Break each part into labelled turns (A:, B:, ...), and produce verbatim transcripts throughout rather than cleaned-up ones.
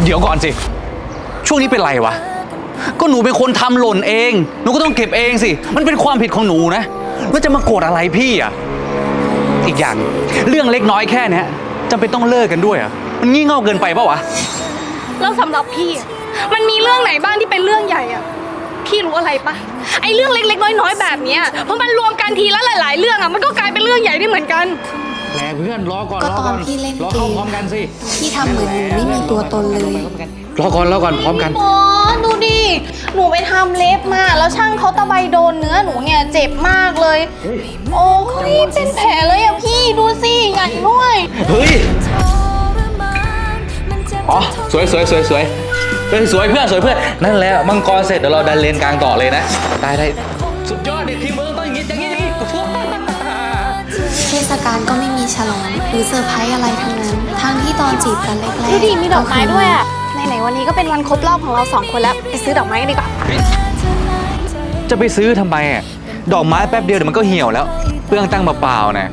A: เดี๋ยวก่อนสิช่วงนี้เป็นไรวะก็หนูเป็นคนทำหล่นเองหนูก็ต้องเก็บเองสิมันเป็นความผิดของหนูนะแล้วจะมาโกรธอะไรพี่อ่ะอีกอย่างเรื่องเล็กน้อยแค่เนี้ยจำเป็นต้องเลิกกันด้วยอ่ะมันงี่เง่าเกินไปปะวะ
B: แล้วสำหรับพี่มันมีเรื่องไหนบ้างที่เป็นเรื่องใหญ่อะพี่รู้อะไรปะไอเรื่องเล็กๆน้อยๆแบบเนี้ยพอมันรวมกันทีละหลายๆเรื่องอะมันก็กลายเป็นเรื่องใหญ่ได้เหมือนกัน
A: แหละเพื่อนรอก่อน
C: ก็ตอนพี่เล่นเกม
A: พร้อมกันสิ
C: พี่ทำเหมือนหนูไม่มีตัวตนเลย
A: รอก่อนรอก่อนพร้อมกัน
B: หมอดูดิหนูไปทำเล็บมาแล้วช่างเขาตะไบโดนเนื้อหนูเนี่ยเจ็บมากเลยโอ้ยเป็นแผลเลยอะพี่ดูสิใหญ่ด้วย
A: เฮ้ยอ๋อสวยสวยสวยสวยเป็นสวยเพื่อนสวยเพื่อนนั่นแหละมังกรเสร็จเดี๋ยวเราดันเลนกลางต่อเลยนะได้ได้สุดยอดเด็กทีมเมืองต้องอย่างนี้อย่างนี้อย่างนี้
C: เทศกาลก็ไม่มีฉลองหรือเซอร์ไพรส์อะไรทั้งนั้นทั้งที่ตอนจีบกันแรกๆ
B: ดูดิมีดอกไม้ด้วยอะไหนๆวันนี้ก็เป็นวันครบรอบของเราสองคนแล้วไปซื้อดอกไม้กันดีกว่า
A: จะไปซื้อทำไมอ่ะดอกไม้แป๊บเดียวเดี๋ยวมันก็เหี่ยวแล้วเปลืองตั้งเปล่าๆนะ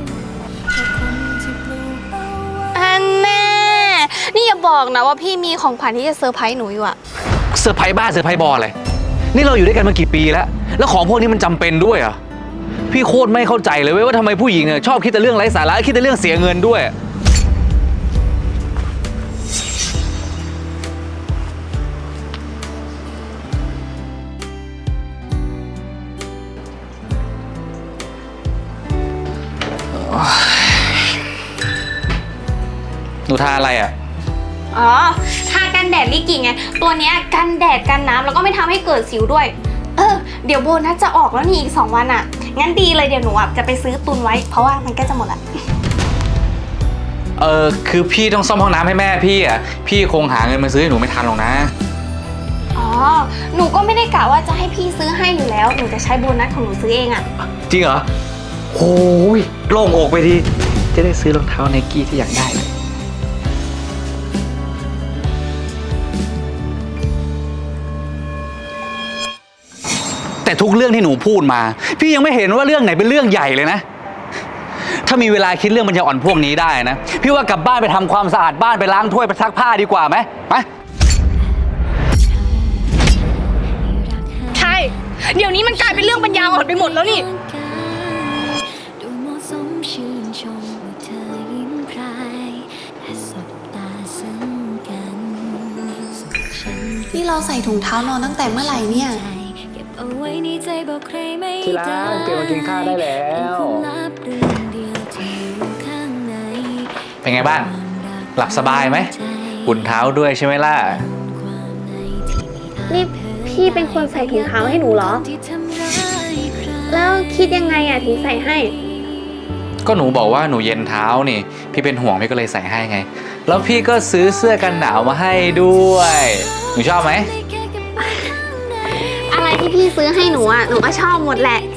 B: อันแน่นี่อย่าบอกนะว่าพี่มีของขวัญที่จะเซอร์ไพรส์หนูอยู่อะ
A: เซอร์ไพรส์บ้าเซอร์ไพรส์บอลเลยนี่เราอยู่ด้วยกันมากี่ปีแล้วแล้วของพวกนี้มันจำเป็นด้วยอ่ะพี่โคตรไม่เข้าใจเลยเว้ยว่าทำไมผู้หญิงเนี่ยชอบคิดแต่เรื่องไร้สาระคิดแต่เรื่องเสียเงินด้วยหนูทาอะไรอ่ะ
B: อ๋อทากันแดดลิกิไงตัวเนี้ยกันแดดกันน้ำแล้วก็ไม่ทำให้เกิดสิวด้วยเออเดี๋ยวโบนัสจะออกแล้วนี่อีกสองวันอ่ะงั้นดีเลยเดี๋ยวหนูอ่ะจะไปซื้อตุนไว้เพราะว่ามันก็จะหมดละ
A: เออคือพี่ต้องซ่อมห้องน้ำให้แม่พี่อ่ะพี่คงหาเงินมาซื้อให้หนูไม่ทันหรอกนะ
B: อ๋อหนูก็ไม่ได้กะว่าจะให้พี่ซื้อให้อยู่แล้วหนูจะใช้โบนัสของหนูซื้อเองอ่ะ
A: จริงเหรอโอ้ยโล่งอกไปทีจะได้ซื้อรองเท้าไนกี้ที่อยากได้แต่ทุกเรื่องที่หนูพูดมาพี่ยังไม่เห็นว่าเรื่องไหนเป็นเรื่องใหญ่เลยนะถ้ามีเวลาคิดเรื่องปัญญาอ่อนพวกนี้ได้นะพี่ว่ากลับบ้านไปทำความสะอาดบ้านไปล้างถ้วยไปซักผ้าดีกว่าไหมไป
B: ใช่เดี๋ยวนี้มันกลายเป็นเรื่องปัญญาอ่อนไปหมดแล้วนี่
C: นี่เราใส่ถุงเท้านอนตั้งแต่เมื่อไหร่เนี่ย
A: ที่รักเตรียมมากินข้าวได้แล้วเป็นไงบ้างหลับสบายไหมอุ่นเท้าด้วยใช่ไหมล่ะ
B: นี่พี่เป็นคนใส่ถุงเท้าให้หนูเหรอแล้วคิดยังไงอะถึงใส่ให้
A: ก็หนูบอกว่าหนูเย็นเท้านี่พี่เป็นห่วงพี่ก็เลยใส่ให้ไงแล้วพี่ก็ซื้อเสื้อกันหนาวมาให้ด้วยหนูชอบไหม
B: อะไรที่พี่ซื้อให้หนูอะหนูก็ชอบหมดแหละ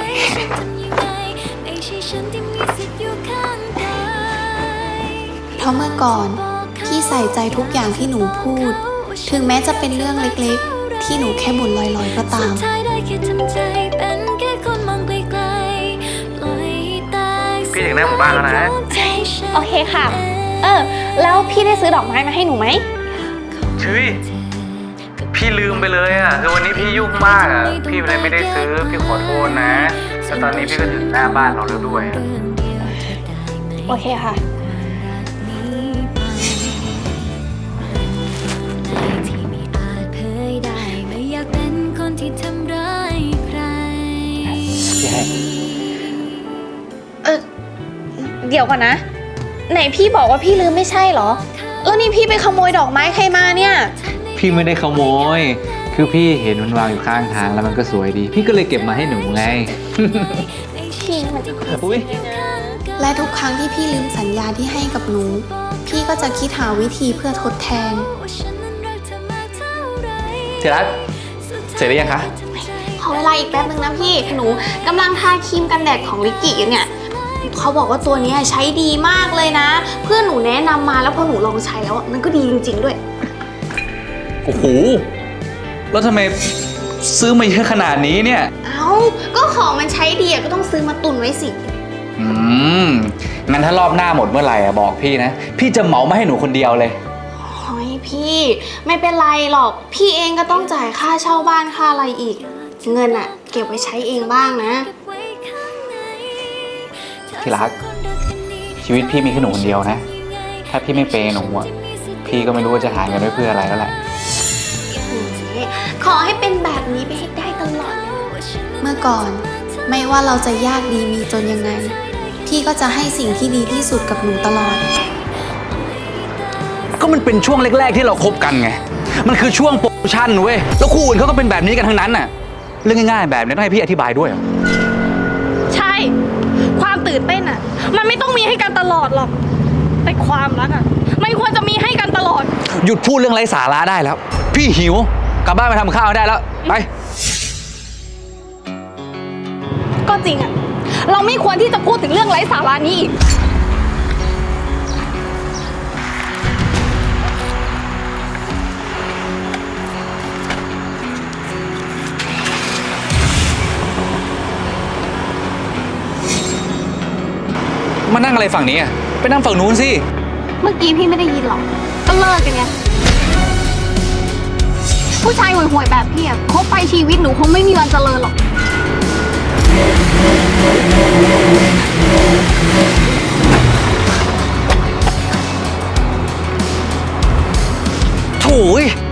C: เพราะเมื่อก่อนพี่ใส่ใจทุกอย่างที่หนูพูดถึงแม้จะเป็นเรื่องเล็กๆที่หนูแค่บ่นลอยๆก็ตาม
A: พี่ถึงหน้าหมู่บ้านแล้วนะ
B: โอเคค่ะเออแล้วพี่ได้ซื้อดอกไม้มาให้หนูไหม
A: ชื่อพี่ลืมไปเลยอ่ะคือวันนี้พี่ยุ่งมากอ่ะพี่เลยไม่ได้ซื้อพี่ขอโทษนะแต่ตอนนี้พี่ก็ถึงหน้าบ้านเราแล้วด้วย
B: โอเคค่ะ
A: พี่ให้
B: เออเดี๋ยวก่อนนะไหนพี่บอกว่าพี่ลืมไม่ใช่เหรอแล้วนี่พี่ไปขโมยดอกไม้ใครมาเนี่ย
A: พี่ไม่ได้ขโมยคือพี่เห็นมันวางอยู่ข้างทางแล้วมันก็สวยดีพี่ก็เลยเก็บมาให้หนูไง
B: พี่มันจะ
A: อุ้ย
C: และทุกครั้งที่พี่ลืมสัญญาที่ให้กับหนูพี่ก็จะคิดหาวิธีเพื่อทดแทน
A: เทรัสเสร็จหรือยังคะ
B: ขอเวลาอีกแป๊บนึงนะพี่หนูกำลังทาครีมกันแดดของลิกิอยู่เนี่ยเขาบอกว่าตัวนี้ใช้ดีมากเลยนะเพื่อนหนูแนะนำมาแล้วพอหนูลองใช้แล้วมันก็ดีจริงๆด้วย
A: โอ้โหแล้วทำไมซื้อมาเยอะขนาดนี้เนี่ย
B: เอ้าก็ของมันใช้ดีก็ต้องซื้อมาตุนไว้สิ
A: อืมงั้นถ้ารอบหน้าหมดเมื่อไหร่อะบอกพี่นะพี่จะเหมามาให้หนูคนเดียวเลย
B: โอ้ยพี่ไม่เป็นไรหรอกพี่เองก็ต้องจ่ายค่าเช่าบ้านค่าอะไรอีก เงินอะเก็บไว้ใช้เองบ้างนะ
A: ที่รัก ชีวิตพี่มีแค่หนูคนเดียวนะ ถ้าพี่ไม่เปย์หนูอะพี่ก็ไม่รู้ว่าจะหาเงินไว้เพื่ออะไรแล้วแหละ
B: ขอให้เป็นแบบนี้ไปให้ได้ตลอด
C: เมื่อก่อนไม่ว่าเราจะยากดีมีจนยังไง พี่ก็จะให้สิ่งที่ดีที่สุดกับหนูตลอด
A: ก็มันเป็นช่วงแรกๆที่เราคบกันไง มันคือช่วงโปรโมชั่นเว้ย แล้วคู่อื่นเขาก็เป็นแบบนี้กันทั้งนั้นน่ะ เรื่องง่ายๆแบบนี้ต้องให้พี่อธิบายด้วยเหรอ
B: ใช่ ความตื่นเต้นอะมันไม่ต้องมีให้กันตลอดหรอก แต่ความรักอะไม่ควรจะมีให้กันตลอด
A: หยุดพูดเรื่องไร้สาระได้แล้ว พี่หิว กลับบ้านไปทำข้าวได้แล้ว ไป
B: ก็จริงอะเราไม่ควรที่จะพูดถึงเรื่องไร้สาระนี้อีก
A: มานั่งอะไรฝั่งนี้อ่ะ ไปนั่งฝั่งนู้นสิ
B: เมื่อกี้พี่ไม่ได้ยินหรอก ก็เลิกกันไง ผู้ชายห่วยๆแบบพี่อะคบไปชีวิตหนูคงไม่มีวันเจริญหรอก
A: โถ่ย